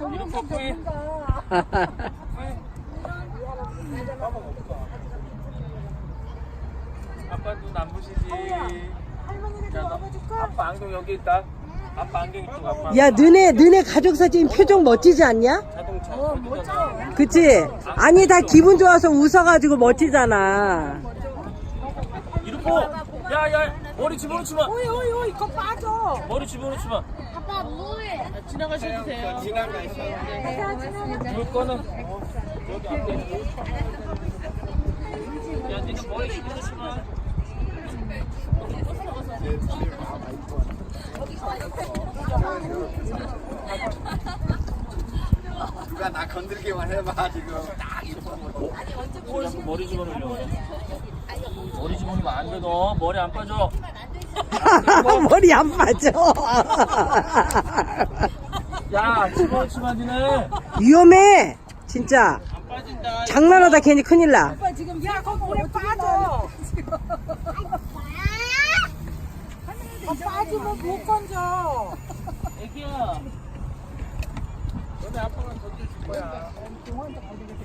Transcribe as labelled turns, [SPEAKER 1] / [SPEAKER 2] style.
[SPEAKER 1] 이름 뽀뽀해. 아빠 눈 안 부시지.
[SPEAKER 2] 할머니가 좀 업어줄까?
[SPEAKER 1] 아빠 안경 여기 있다. 아빠 안경 이쪽 아빠.
[SPEAKER 3] 야, 너네 가족 사진 표정 멋지지 않냐?
[SPEAKER 1] 자동차.
[SPEAKER 2] 멋져.
[SPEAKER 3] 그치? 아니, 다 기분 좋아서 웃어가지고 멋지잖아.
[SPEAKER 1] 이름 뽀. 야야 머리 집어넣지 마.
[SPEAKER 2] 오이 이거 빠져.
[SPEAKER 1] 머리 집어넣지 마.
[SPEAKER 4] 아빠 뭐해? 지나가셔도 돼요.
[SPEAKER 1] 물 거는 여기 앞에. 야 니가 머리 집어넣지 마.
[SPEAKER 5] 누가 나 건들기만 해봐 지금.
[SPEAKER 1] 머리 집어넣으려고 해. 머리 집어넣으면 안 돼. 너 머리 안 빠져.
[SPEAKER 3] 머리 안 빠져.
[SPEAKER 1] 야 집어넣지 마 니네.
[SPEAKER 3] 위험해. 진짜.
[SPEAKER 1] 안 빠진다.
[SPEAKER 3] 장난하다 괜히 큰일 나.
[SPEAKER 2] 오빠 지금 야 거기 물에 빠져. 빠지면 못 건져.
[SPEAKER 1] 애기야. 너네 아빠가 던져줄 거야.